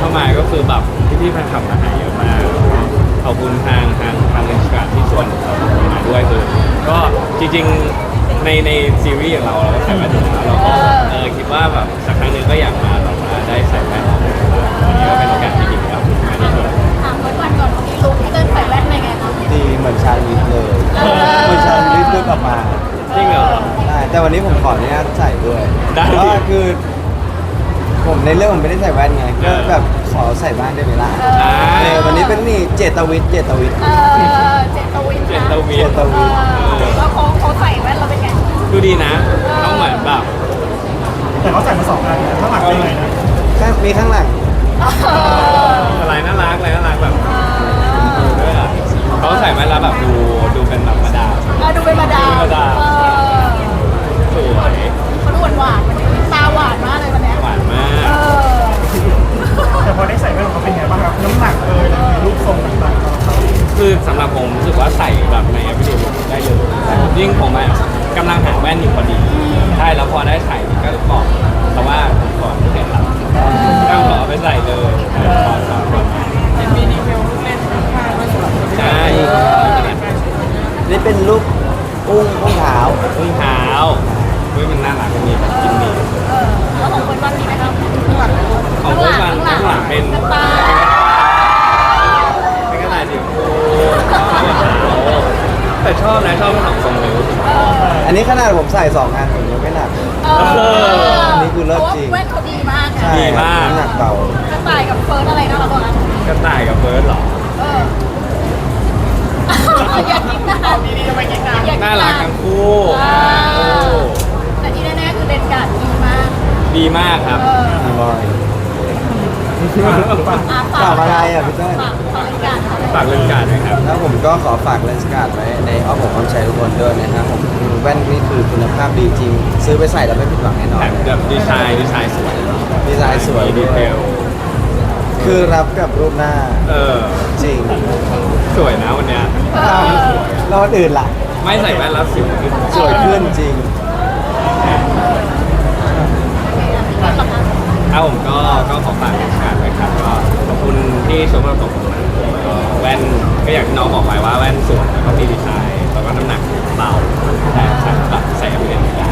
ากมายก็คือแบบพี่ๆแฟนคลับมาหาเยอะมากขอบคุณทางเลนส์การ์ดที่ชวนเรามาด้วยคือก็จริงๆในซีรีส์อย่างเราก็ใส่แว่นอยู่แล้วเราก็คิดว่าแบบสักครั้งหนึ่งก็อยากมาแบบว่าได้ใส่แว่นวันนี้ก็เป็นโอกาสที่ดีครับมาที่ชวนถามวันก่อนเขามีลุคที่เดินใส่แว่นเป็นไงคะดีเหมือนชาลิฟเลยเหมือนชาลิฟด้วยกลับมาจริงเหรอใช่แต่วันนี้ผมขออนุญาตใส่ด้วยได้เพราะว่าคือ ผมในเรื่องผมไม่ได้ใส่แว่นไงก็แบบขอใส่บ้างได้ไหมล่ะวันนี้เป็นนี่เจตวิทย์เจตวินนะเจตวิทเจตวิทย์แล้วเขาใส่แว่นเราเป็นไงดูดีนะต้องเหมือนแบบแต่เขาใส่มา2 อันนะข้างหลังเป็นไงนะมีข้างหลังอะไรน่ารักแบบด้วยอะเขาใส่แว่นแล้วแบบดูเป็นแบบมาดามดูเป็นมาดามสวยเขาดูหวานตาหวานมากเลยวันนี้หวานมากแต่พอได้ใส่แว่นเขาเป็นไงบ้างครับน้ำหนักรูปทรงต่างๆคือสำหรับผมรู้สึกว่าใส่แบบใน everyday look ได้เลยยิ่งผมอะกำลังหาแว่นอยู่พอดีใช่แล้วพอได้ใส่ก็บอกแต่ว่าก่อนไม่เห็นหลับก็ขอไปใส่เลยขอสอนก่อนมีดีเทลลูกเล่นใช่นี่เป็นรูปอุ้งเท้าอุ้งเท้ามันน่ารักมีแบบกินมีแล้วของคนวันนี้ไหมครับของพวกมันข้างหลังเป็นตาเป็นกระดาษสีชมพูแต่ชอบนะชอบทั้งสองทรงเลยอันนี้ขนาดผมใส่2 อันผมยังไม่หนักเลยอันนี้คือเลิศจริงแว่นเขาดีมากใช่น้ำหนักเบากระต่ายกับเฟิร์สอะไรนะเราตัวนั้นกระต่ายกับเบิร์ดเหรออยากกินนานดีๆจะไปกินนานน่ารักทั้งคู่แต่ที่แน่ๆคือเลนการ์ดดีมากดีมากครับพี่บอยฝากฝากอะไรอ่ะพี่เต้ยฝากเลนการ์ดฝากเรื่องการนะครับแล้วผมก็ขอฝากเลนส์การ์ดไว้ในอ้อมอกอ้อมใจทุกคนด้วยนะครับผมแว่นนี่คือคุณภาพดีจริง ซื้อไปใส่แล้วไม่ผิดหวังแน่นอนแถมแบบดีไซน์สวยดีไซน์สวยมีดีด้วเทยลคือรับกับรูปหน้า จริงสวยนะวันเนี้ยแล้ววันอื่นล่ะไม่ใส่แว่นแล้วสิวขึ้นสวยขึ้นจริงเอาผมก็ขอฝากงานไว้ครับก็ขอบคุณที่ชมเราตกผมนะก็แว่นก็อย่างที่น้องบอกไปว่าแว่นสวยแล้วก็มีดีไซน์แล้วก็น้ำหนักเบาแต่ใส่แบบใส่เอาไปเล่นได้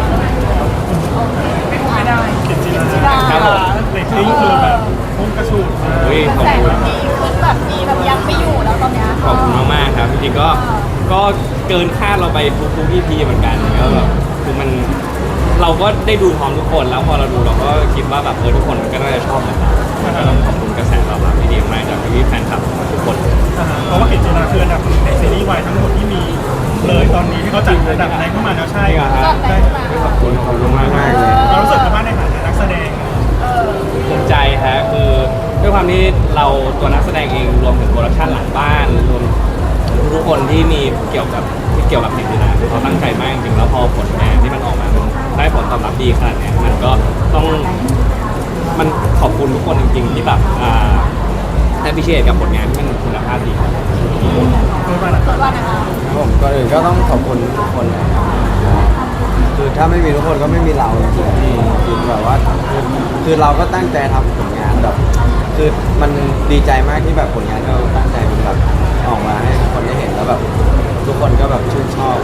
ไม่ได้เขียนจีนครับผมเรตติ้งคือแบบพุ่งกระฉูดมากอุ้ยขอบแต่คุณดีขึ้นแบบดีแบบยังไม่อยู่แล้วตอนนี้ขอบคุณมากๆครับจริงๆก็เกินคาดเราไปทุกๆ EP เหมือนกันก็แบบคือมันเราก็ได้ดูพร้อมทุกคนแล้วพอเราดูเราก็คิดว่าแบบทุกคนก็น่าจะชอบเหมือนเราก็ต้องขอบคุณกระแสตอบรับที่ดีมากจากพี่ๆแฟนคลับทุกคนเพราะว่าเห็นจีนคืออันดับในซีรีส์วายทั้งหมดที่มีเลยตอนนี้ที่เขาจัดอันดับแรงเข้ามาแล้วใช่ใช่ครับ ขอบคุณมากมากเลยเรารู้สึกว่าในฐานะนักแสดงภูมิใจฮะคือด้วยความที่เราตัวนักแสดงเองรวมถึงโปรดักชั่นหลังบ้านรวมทุกคนที่มีเกี่ยวกับสิ่งนี้นะคือเขาตั้งใจมากจริงๆแล้วพอผลงานที่มันออกมามันได้ผลตอบรับดีขนาดเนี้ยมันก็ต้องมันขอบคุณทุกคนจริงๆที่แบบให้พิเศษกับผลงานที่มันคุณภาพดีว่านะคะผมก่อนอื่นก็ต้องขอบคุณทุกคนนะครับคือถ้าไม่มีทุกคนก็ไม่มีเราจริงๆคือแบบว่าคือเราก็ตั้งใจทำผลงานแบบ คือมันดีใจมากที่แบบผลงานที่เราตั้งใจมันแบบออกมาให้ทุกคนได้เห็นแล้วแบบทุกคนก็แบบชื่นชอบ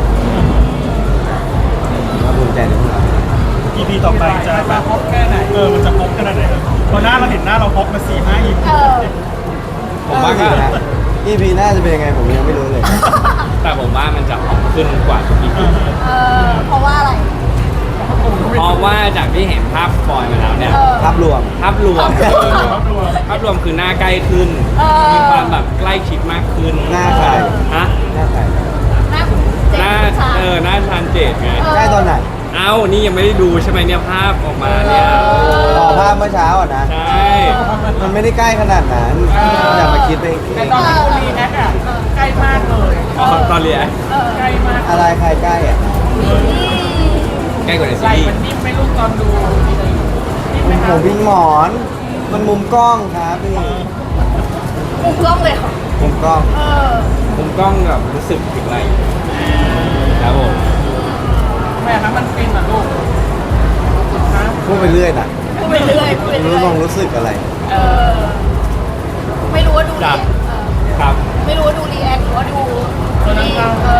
ก็ภูมิใจในพวกเรา EP ต่อไปจะแบบพบแค่ไหนมันจะพบขนาดไหนพอหน้าเราเห็นหน้าเราพบมา4-5 EP ผมว่าก็นะ EP หน้าจะเป็นยังไงผมยังไม่รู้เลยแต่ผมว่ามันจะหอมขึ้นกว่าทุกอีพีเพราะว่าอะไรเพราะว่าจากที่เห็นภาพสปอยมาแล้วเนี่ยภาพรวมภาพรวมคือหน้าใกล้ขึ้น มีความแบบใกล้ชิดมากขึ้นหน้าใครฮะหน้าใครหน้าคุณเจหน้าชาหน้าชานเจดไงใกล้ตอนไหนเอ้านี่ยังไม่ได้ดูใช่ไหมเนี่ยภาพออกมาเนี่ยต่อภาพเมื่อเช้าอ่ะนะใช่มันไม่ได้ใกล้ขนาดนั้นอย่ามาคิดไปเองแต่ตอนที่คุณรีแอคอะใกล้มากเลยอ๋อตอนเรียนใกล้มากอะไรใครใกล้อ่ะใกล้กว่าในไหซีลรีส์มันนิ่มไหม่ลูกตอนดูนิ่มไหมผคะมวิ่งหมอน มันมุมกล้องครับพี่มุมกล้องเลยเหรอมุมกล้องมุมกล้องแบบรู้สึกถึงอะไรครับผมแม่คะมันฟินเหรอลูกฮะพูดไปเรื่อยนะพูดไปเรื่อยพูดไปรู้เรื่อยลงรู้สึกอะไรเเออไม่รู้ว่าดูรีจัแอบ คครับไม่รู้ว่าดูรีแอคหรือว่าดูนี่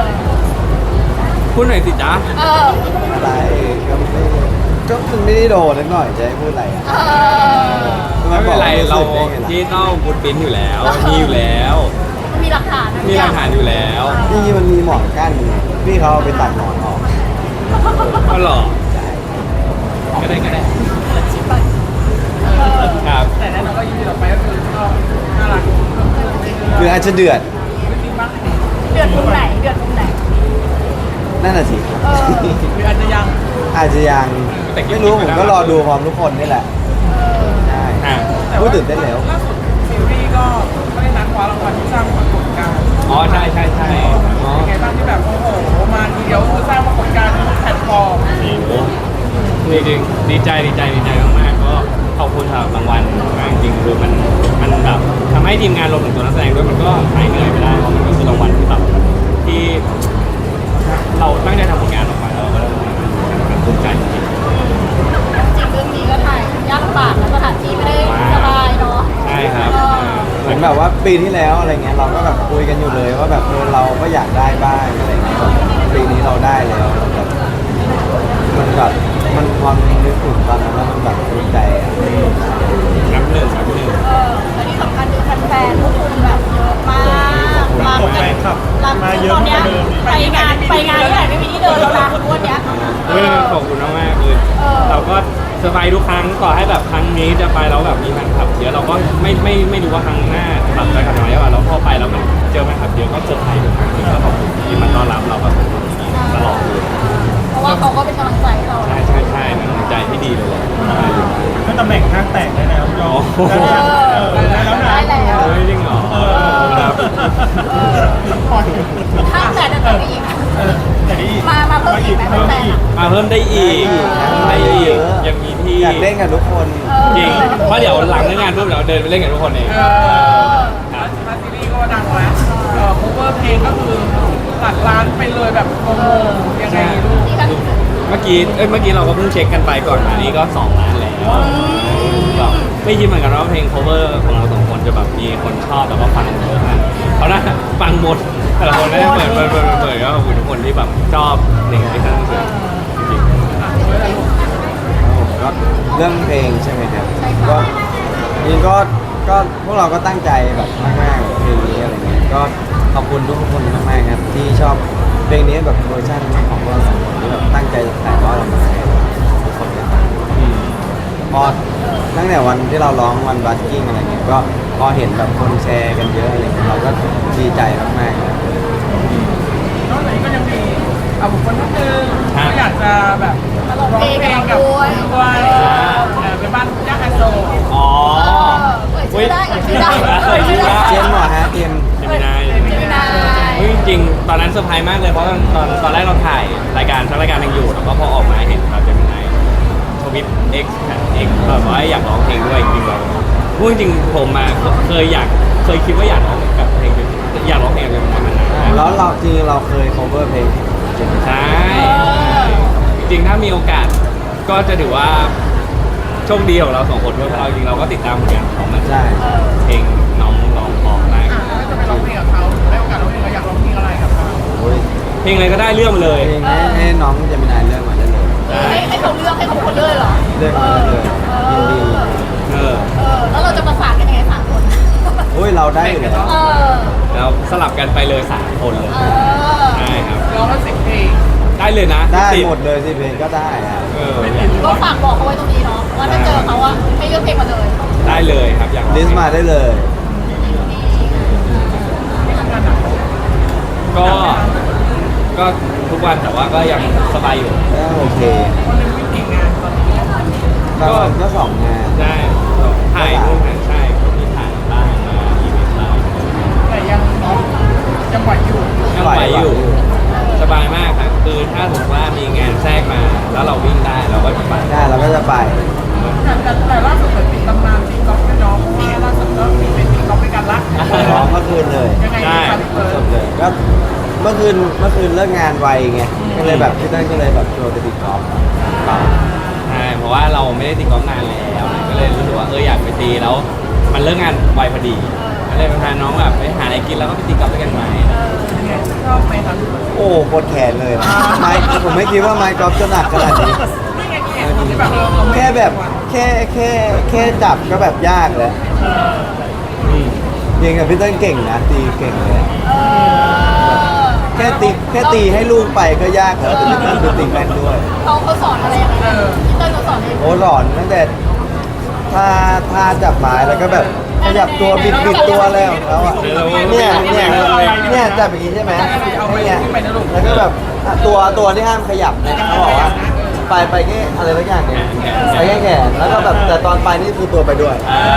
พูดหน่อยสิจ๊ะอะไรก็มันไม่ได้โดนนิดหน่อยจะให้พูดอะไรอ่ะไม่เป็นไรเราที่ที่ต้องบูทปิ้นอยู่แล้วมีอยู่แล้วมีหลักฐานนะมีหลักฐานอยู่แล้วนี่มันมีหมอนกั้นพี่เขาเอาไปตัดหมอนออกก็หรอก็ได้ก็ได้ชิบไปครับแต่แน่นอนก็ยินดีต่อไปก็คือก็น่ารักคืออาจจะเดือดไม่จริงบ้างเดือดมุมไหนเดือดมุมไหนนั่นน่ะสิหรืออาจจะยังอาจจะยังไม่รู้ผมก็รอดูพร้อมทุกคนนี่แหละใช่อ่ะพูดตื่นเต้นแล้วล่าสุดซีรีส์ก็ไม่ได้นัดคว้ารางวัลที่สร้างปรากฏการณ์อ๋อใช่ใช่ใช่อ๋อเป็นไงบ้างที่แบบโอ้โหมาทีเดียวคือสร้างปรากฏการณ์ทุกแพลตฟอร์มโอ้จริงๆดีใจมากๆก็ขอบคุณสำหรับรางวัลมากจริงๆคือมันแบบทำให้ทีมงานรวมถึงตัวนักแสดงด้วยมันก็หายเหนื่อยไปได้เพราะมันก็คือรางวัลที่แบบที่เราตั้งใจทำผลงานออกมาแล้วเราก็ได้รางวัลภูมิใจจริงจริงเรื่องนี้ก็ถ่ายยากลำบากแล้วสถานที่ไม่ได้สบายเนาะใช่ครับเหมือนแบบว่าปีที่แล้วอะไรเงี้ยเราก็แบบคุยกันอยู่เลยว่าแบบเราก็อยากได้บ้างอะไรเงี้ยปีนี้เราได้แล้วแบบมันความนึกถึงตอนนั้นแล้วมันแบบภูมิใจอ่ะนับหนึ่งและที่สำคัญคือแฟนๆพวกคุณแบบเยอะมากมาแฟนคลับรับมาเยอะตอนกเนี้ยว่าเดิมไปงานที่ไหนไม่มีที่เดินแล้วนะวันเนี้ยเฮ้ยขอบคุณมากๆเลยเราก็เซอร์ไพรส์ทุกครั้งต่อให้แบบครั้งนี้จะไปแล้วแบบมีแฟนคลับเยอะเราก็ไม่รู้ว่าครั้งหน้าแบบไปกันน้อยว่าเราพอไปแล้วมันเจอแฟนคลับเยอะก็เซอร์ไพรส์ทุกครั้งก็ขอบคุณที่มาต้อนรับเราแบบตลอดเลยเพราะว่าเขาก็เป็นกำลังใจให้เราใช่เป็นกำลังใจที่ดีเลยแหละก็ตำแหน่งข้างแตกได้แล้วยอมโอ้โหได้แล้วนะได้แล้วเฮ้ยจริงเหรอครับข้างแต่จะต่อไปอีกแต่นี่มาเพิ่มอีกไหมแฟนๆมาเพิ่มได้อีกยังมีที่อยากเล่นกับทุกคนจริงเพราะเดี๋ยวหลังเลิกงานปุ๊บเดี๋ยวเดินไปเล่นกับทุกคนเองมาซีรีส์ก็ดังแล้วโคเวอร์เพลงก็คือหลักล้านไปเลยแบบงงๆยังไงลูกที่กันเมื่อกี้เราก็เพิ่งเช็คกันไปก่อนมานี้ก็2 ล้านแล้วก็ไม่คิดเหมือนกันว่าเพลง cover ของเรา2 คนจะแบบมีคนชอบแล้วก็ฟังเยอะขนาดนี้เพราะน่าฟังหมดแต่ละคนได้เปิดก็ขอบคุณทุกคนที่แบบชอบเพลงที่ท่านเสนอจริงก็เรื่องเพลงใช่ไหมครับก็จริงก็พวกเราก็ตั้งใจแบบมากๆเพลงนี้อะไรเงี้ยก็ขอบคุณทุกคนมากๆครับที่ชอบเพลงนี้แบบเวอร์ชันของพวกเราสองคนที่แบบตั้งใจถ่ายทอดออกมาให้ทุกคนได้ฟังพอตั้งแต่วันที่เราร้องวันบัสกิ้งอะไรเงี้ยก็พอเห็นแบบคนแชร์กันเยอะอะไรเงี้ยเราก็ดีใจมากๆครับนอกจากนี้ก็ยังมีบุคคลท่านหนึ่งก็อยากจะแบบร้องเพลงกับด้วยเป็นบ้านย่าไฮโซอ๋อเปิดชื่อได้เปิดชื่อได้เจมส์เหรอฮะเจมส์เจมินายไม่ได้จริงๆตอนนั้นเซอร์ไพรส์มากเลยเพราะตอนแรกเราถ่ายรายการทั้งรายการยังอยู่แล้วก็พอออกมาเห็นครับเจมินายทวิต X แบบว่าอยากร้องเพลงด้วยจริงๆเราพูดจริงๆผมมาเคยคิดว่าอยากร้องกับเพลงอยากร้องเพลงกับเจมินายมานานแล้วเราจริงๆเราเคย cover เพลงเจมส์ใช่จริงๆถ้ามีโอกาสก็จะถือว่าโชคดีของเรา2 คนด้วยเพราะเราจริงๆเราก็ติดตามผลงานของมันใช่เพลงน้องร้องเพราะมากแล้วจะไปร้องเพลงกับเขาได้โอกาสร้องเพลงเราอยากร้องเพลงอะไรกับเขาโอ้ยเพลงอะไรก็ได้เรื่องมาเลยเพลงให้น้องเจมินายเลือกมาได้เลยให้เขาเลือกให้เขาคนเลือกเหรอเลือกมาได้เลยยินดีแล้วเราจะประสานกันยังไง3 คนโอ้ยเราได้อยู่แล้วแล้วสลับกันไปเลย3 คนเลยใช่ครับร้องมา10 เพลงได้เลยนะได้ติหมดเลยสิเพลงก็ได้ครับเออก็ฝากบอกเขาไว้ตรงนี้เนาะว่าถ้าเจอเขาอะให้เลือกเพลงมาเลยได้เลยครับอยากลิสต์มาได้เลยก็ทุกวันแต่ว่าก็ยังสบายอยู่ก็โอเคคนหนึงมีกี่งานตอนนี้ก็สองงานได้ถ่ายนู่นถ่ายใช่ก็มีถ่ายบ้างมาอีเวนต์บ้างแต่ยังไหวอยู่ยังไหวอยู่สบายมากครับคือถ้าสมมติว่ามีงานแทรกมาแล้วเราวิ่งได้เราก็จะไปได้เราก็จะไปแต่ล่าสุดเหมือนมีตำนานตีกอล์ฟด้วยน้องนี่ล่าสุดก็มีเป็นตีกอล์ฟด้วยกันละร้องเมื่อคืนเลยยังไงดีครับพี่เฟิร์สนดเลยก็เมื่อคืนเลิกงานไวไงก็เลยแบบพี่เต้นก็เลยแบบชวนไปตีกอล์ฟเปล่าใช่เพราะว่าเราไม่ได้ตีกอล์ฟนานแล้วก็เลยเลยรู้สึกว่าอยากไปตีแล้วมันเลิกงานไวพอดีก็เลยไปพาน้องแบบไปหาอะไรกินแล้วก็ไปตีกอล์ฟด้วยกันไหมยังไงชอบไหมครับโอ้ปวดแขนเลยนะไม้ผมไม่คิดว่าไม้กอล์ฟจะหนักขนาดนี้นี่ไงนี่ไงที่แบบเราแค่แบบแค่จับก็แบบยากแล้วยิงกับพี่เต้นเก่งนะตีเก่งเลยแค่ตีให้ลูกไปก็ยากแล้วแต่พี่เต้นคือตีแม่นด้วยเขาสอนอะไรยังไงพี่เต้นเขาสอนอะไรโอ้สอนตั้งแต่ท่าจับไม้แล้วก็แบบขยับตัวบิดตัวอะไรของเขาอ่ะเนี่ยจับอย่างนี้ใช่ไหมเนี่ยแล้วก็แบบตัวที่ห้ามขยับเนี่ยเขาบอกว่าไปแค่อะไรสักอย่างเนี่ยไปแค่แขนแล้วก็แบบแต่ตอนไปนี่คือตัวไปด้วย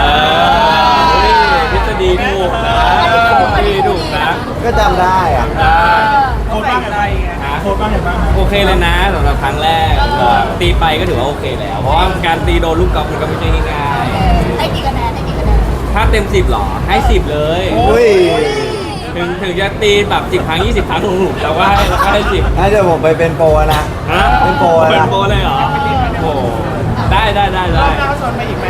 ทฤษฎีถูกนะทฤษฎีถูกนะก็จำได้อ่ะได้เขาใส่ใจไงโค้ชบ้างอย่างบ้างโอเคเลยนะสำหรับครั้งแรกตีไปก็ถือว่าโอเคแล้ว เพราะว่าการตีโดนลูกกอล์ฟมันก็ไม่ใช่ง่ายให้กี่คะแนนให้กี่คะแนนๆถ้าเต็ม 10หรอให้ 10 เลยอุ้ยถึงจะตีแบบ10 ครั้ง 20 ครั้งถูกๆเราก็ให้ 10 งั้นเดี๋ยวผมไปเป็นโปรนะฮะเป็นโปรนะเป็นโปรเลยเหรอโอ้ได้รอบหน้าชวนไปอีกไหม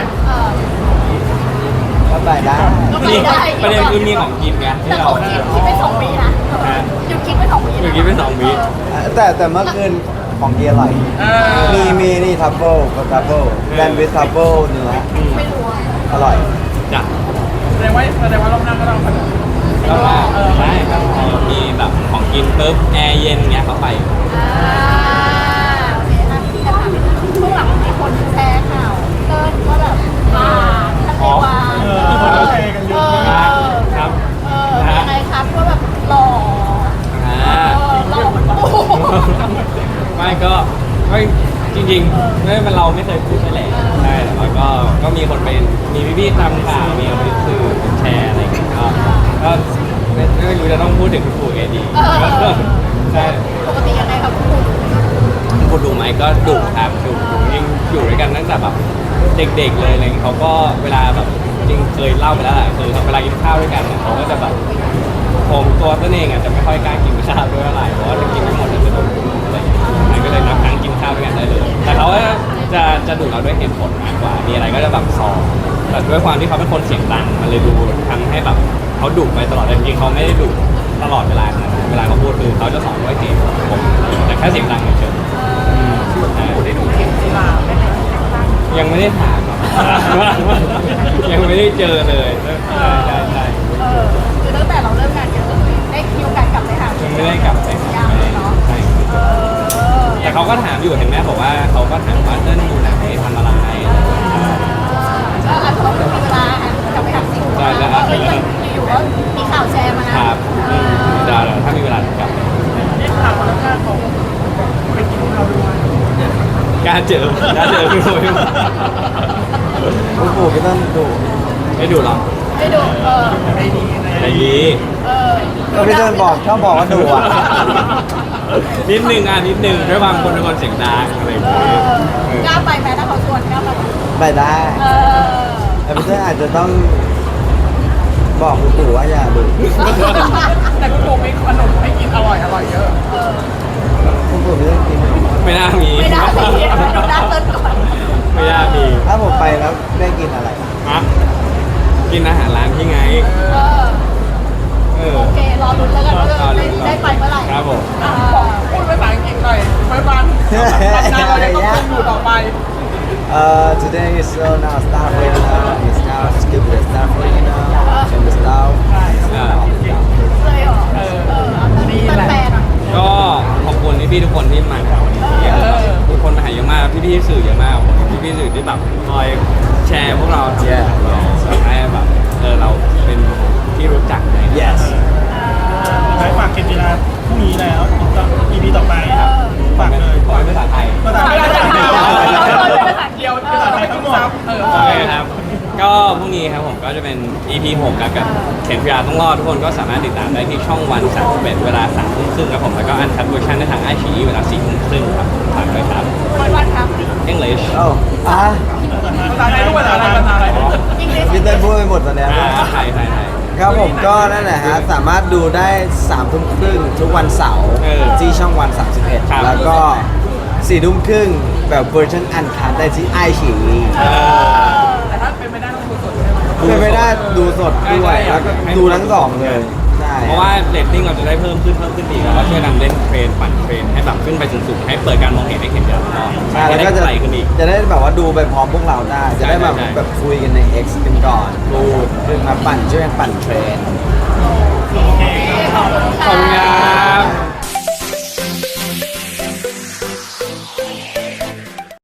ก็ไปได้นี่ประเด็นคือมีของกินไงแต่ที่เราเขาคิดไป2 ปีนะหยุดคิดไป2 ปีเมื่อกี้เป็น2 วิแต่เมื่อคืนของเกียร์อร่อยมีนี่ทัฟเฟิลกับทัฟเฟิลแบนด์วิททัฟเฟิลเนื้อไม่รู้อร่อยจ้ะแสดงว่ารอบหน้าก็ต้องขนมแล้วก็ใช่ครับมีแบบของกินปุ๊บแอร์เย็นเงี้ยเขาไปโอเคนะพี่ถามช่วงหลังมีคนแชร์ข่าวเติ้ลว่าแบบท่านเทวาคนก็แชร์กันเยอะมากครับยังไงครับว่าแบบหล่อ หล่อเหมือนปู่ไม่ก็จริงๆไม่เป็นเราไม่เคยพูดไปแหละใช่แต่ว่าก็มีคนไปมีพี่ๆตามข่าวมีคนไปสื่อแชร์อะไรอย่างเงี้ยก็ไม่รู้จะต้องพูดถึงคุณปู่ไงดีใช่ปกติยังไงครับปู่คุณดูไหมก็ดุครับดุยังอยู่ด้วยกันตั้งแต่แบบเด็กๆเลยอะไรเงี้ยเขาก็เวลาแบบจริงเคยเล่าไปแล้วแหละคือเวลากินข้าวด้วยกันเนี่ยเขาก็จะแบบผมตัวตนเองอ่ะจะไม่ค่อยกล้ากินข้าวด้วยอะไรเพราะว่าถ้ากินไม่หมดจะโดนดุอะไรอย่างเงี้ยมันก็เลยนับครั้งกินข้าวด้วยกันได้เลย แต่เขาจะดุเราด้วยเหตุผลมากกว่ามีอะไรก็จะแบบสอนแต่ด้วยความที่เขาเป็นคนเสียงดังมันเลยดูทำให้แบบเขาดุไปตลอดแต่จริงๆเขาไม่ได้ดุตลอดเวลาขนาดนั้นเวลาเขาพูดคือเขาจะสอนด้วยเหตุผลแต่แค่เสียงดังเฉยๆได้ดูเข็มจีราไหมยังไม่ได้ถามครับ ยังไม่ได้เจอเลยใช่คือตั้งแต่เราเริ่มงานเยอะได้คิวการกลับไปหายังไม่ได้กลับไปยากเลยเนาะใช่แต่เขาก็ถามอยู่เห็นไหมบอกว่าเขาก็ถามว่าเต้นอยู่ไหนทำอะไรก็อาจจะต้องมีเวลากลับไปหาสิ่งอยู่ๆก็มีข่าวแชร์มานะครับเดี๋ยวถ้ามีเวลาจะกลับได้ข่าวว่าแล้วก็ของไปกินข้าวด้วยกล้าเจอพี่โอ้ยคุณปู่ก็ต้องดุไม่ดูหรอกไม่ดูไม่ดีนะใจดีก็พี่เต้นชอบบอกว่าดุอ่ะนิดนึงนิดนึงด้วยความคนเป็นคนเสียงดังอะไรอย่างเงี้ยกล้าไปไหมถ้าเขาชวนกล้าไปไปได้แต่พี่เต้นอาจจะต้องบอกคุณปู่ว่าอย่าดุแต่คุณปู่มีขนมให้กินอร่อยเยอะคุณปู่พี่เต้นกินไม่น่ามีไม่ได้สิดูด้านต้นก่อนไม่น่ามีถ้าผมไปแล้วได้กินอะไรฮะกินอาหารร้านที่ไงโอเครอลุ้นแล้วกันว่าได้ไปเมื่อไหร่ครับผมพูดภาษาอังกฤษหน่อยไว้บ้านทำงานเราจะต้องเป็นอยู่ต่อไป Today is now start right now. It's now skip the start right now. And the start. เลยเหรอมีแฟนๆอ่ะก็ขอบคุณพี่ๆทุกคนที่มาวันนี้ทุกคนมาหาเยอะมากพี่ๆสื่อเยอะมากพี่ๆสื่อที่แบบคอยแชร์พวกเราทำเราทำให้แบบเราเป็นที่รู้จักใน Yes. ได้ฝากเกมกีฬาพรุ่งนี้แล้ว EP ต่อไปครับฝากเลยขอเป็นภาษาไทยภาษาไทยภาษาไทยภาษาเดียวภาษาไทยทั้งหมดโอเคครับ ก็พรุ่งนี้ครับผมก็จะเป็น EP 6ครับกับเข็นพิยาต้องรอดทุกคนก็สามารถติดตามได้ที่ช่องวัน31เวลา3 ทุ่มครึ่งครับผมแล้วก็อันคัดเวอร์ชันได้ทางไอชีเวลา4 ทุ่มครึ่งครับฝากด้วยครับวันครับ English Oh. ภาษาไทยต้องภาษาอะไรพี่เต้นพูดไปหมดตอนเนี้ยไทยครับผมก็นั่นแหละฮะสามารถดูได้3 ทุ่มครึ่งทุกวันเสาร์ที่ช่องวัน 31 แล้วก็4 ทุ่มครึ่งแบบเวอร์ชันอันคัทได้ที่ไอชีถ้าเป็นไม่ได้ต้องดูสดใช่ไหมเป็นไปได้ดูสดด้วยแล้วก็ดูทั้งสองเลยใช่เพราะว่าเรตติ้งเราจะได้เพิ่มขึ้นอีกแล้วก็ช่วยนำเล่นเทรนปั่นเทรนให้แบบขึ้นไปสูงๆให้เปิดการมองเห็นให้เห็นอย่างน้อยใช่ให้แล้วได้ก็จะไกลขึ้นอีกจะได้แบบว่าดูไปพร้อมพวกเราได้ จะได้แบบใช่แบบคุยกันใน X กันก่อนพูดคือมาปั่นช่วยกันปั่นเทรนโอเคครับขอบคุณขอบคุณครั